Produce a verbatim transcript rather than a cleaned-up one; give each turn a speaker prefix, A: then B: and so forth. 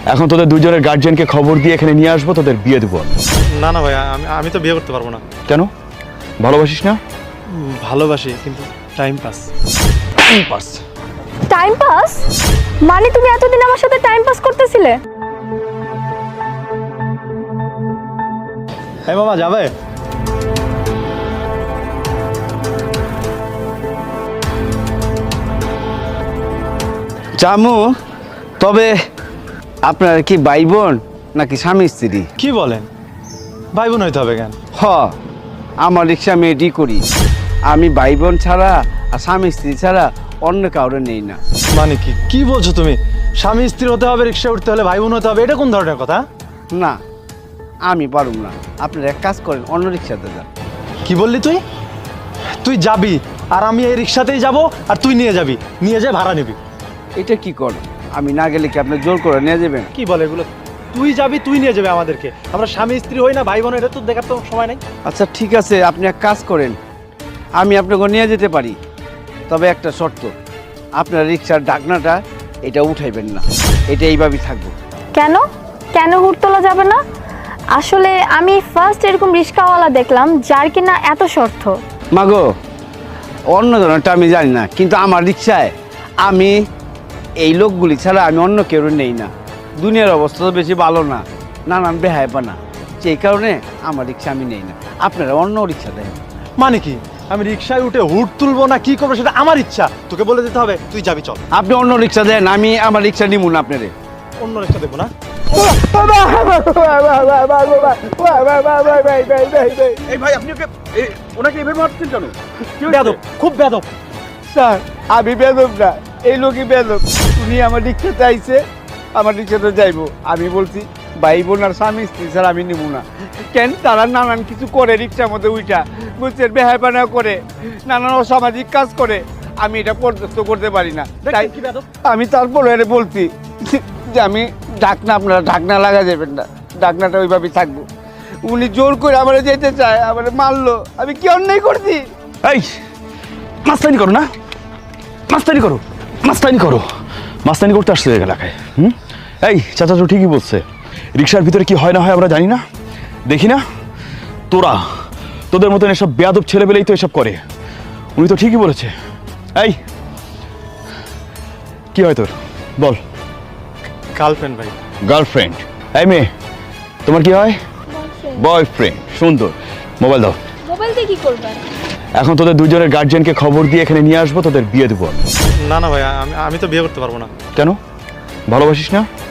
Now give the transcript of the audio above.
A: এখন তোদের দুজনের গার্জিয়ানকে খবর দিয়ে এখানে নিয়ে আসবো, তোদের বিয়ে দেবো।
B: না না ভাই, আমি আমি তো বিয়ে করতে পারবো না।
A: কেন? ভালোবাসিস না?
B: উম, ভালোবাসি, কিন্তু time pass.
A: Time pass?
C: Time pass মানে তুমি এতদিন আমার সাথে টাইম পাস করতেছিলে?
B: হ্যাঁ মামা, যাবে?
D: জামু, তবে আপনার কি ভাই বোন নাকি স্বামী স্ত্রী?
B: কি বলেন? ভাই বোন হইতে হবে কেন?
D: হ, আমার রিক্সা আমি এডি করি। আমি ভাই বোন ছাড়া আর স্বামী স্ত্রী ছাড়া অন্য কাউরে নেই না।
B: মানে কি কি বলছো তুমি? স্বামী স্ত্রী হতে হবে, রিক্সা উঠতে হলে ভাই বোন হতে হবে, এটা কোন ধরনের কথা?
D: না, আমি পারুম না। আপনারা এক কাজ করেন, অন্য রিক্সাতে যান।
B: কি বললি তুই? তুই যাবি আর আমি এই রিক্সাতেই যাব, আর তুই নিয়ে যাবি, নিয়ে যায় ভাড়া নিবি।
D: এটা কি কর? আমি না গেলে কি আপনি জোর করে নিয়ে যাবেন?
B: কি বলে এগুলো? তুই যাবি, তুই নিয়ে যাবে আমাদেরকে। আমরা স্বামী স্ত্রী হই না, ভাই বোন, এটা তো দেখার তো সময় নাই।
D: আচ্ছা ঠিক আছে, আপনি এক কাজ করেন, আমি আপনাকে নিয়ে যেতে পারি, তবে একটা শর্ত, আপনার রিক্সার ডাকনাটা এটা উঠাইবেন না, এটা এইভাবেই থাকবো।
C: কেন কেন হুট তোলা যাবে না? আসলে আমি ফার্স্ট এরকম রিক্সাওয়ালা দেখলাম যার কিনা এত শর্ত।
D: মাগো, অন্য ধরনেরটা আমি জানি না, কিন্তু আমার রিক্সায় আমি এই লোকগুলি ছাড়া আমি অন্য কেউ নেই না। দুনিয়ার অবস্থা তো বেশি ভালো না, নানান বেহায়পানা, সেই কারণে আমার রিক্সা আমি নেই না। আপনারা অন্য রিক্সা দেন।
B: মানে কি? আমি রিক্সায় উঠে হুট তুলবো না কি করবো সেটা আমার ইচ্ছা, তোকে বলে দিতে হবে তুই যাবি, চল।
D: আপনি অন্য রিক্সা দেন, আমি আমার রিক্সা নিব না আপনারে।
B: অন্য রিক্সা দেখবো না।
A: এই ভাই, আপনি ওকে ওনাকে এভাবে মারছেন কেন?
B: বেয়াদব, খুব বেয়াদব।
D: স্যার, আমি বেদব না, এই লোকই বেদব। উনি আমার রিক্সাতে আইছে, আমার রিক্সাতে যাইবো। আমি বলছি ভাই বোন আর স্বামী স্ত্রী স্যার আমি নিব না। কেন? তারা নানান কিছু করে রিক্সার মধ্যে উইটা, বুঝছেন, বেহায়পানা করে, নানান অসামাজিক কাজ করে, আমি এটা পর্যস্ত করতে পারি না। তাই
B: কি বেয়াদব?
D: আমি তারপরে এর বলছি যে আমি ঢাকনা, আপনারা ঢাকনা লাগা যাবেন না, ঢাকনাটা ওইভাবেই থাকবো। উনি জোর করে আমার যেতে চায়, আমার মারলো, আমি কি অন্যায় করছি?
A: এই মাস্তানি করো না, মাস্তানি করো, মাস্তানি করো, মাস্তানি করতে আসছে এলাকায়। হুম, এই চাচা তো ঠিকই বলছে, রিক্সার ভিতরে কি হয় না হয় আমরা জানি না, দেখি না। তোরা তোদের মতন এসব বেয়াদব ছেলেবেলেই তো এসব করে। উনি তো ঠিকই বলেছে। এই কি হয় তোর, বল।
B: গার্লফ্রেন্ড ভাই।
A: গার্লফ্রেন্ড? এই মেয়ে, তোমার কি হয়? বয়ফ্রেন্ড। সুন্দর, মোবাইল দাও।
C: মোবাইল দিয়ে কি করবেন?
A: এখন তোদের দুজনের গার্জিয়ানকে খবর দিয়ে এখানে নিয়ে আসবো, তোদের বিয়ে দেবো।
B: না না ভাই, আমি আমি তো বিয়ে করতে পারবো না।
A: কেন? ভালোবাসিস না?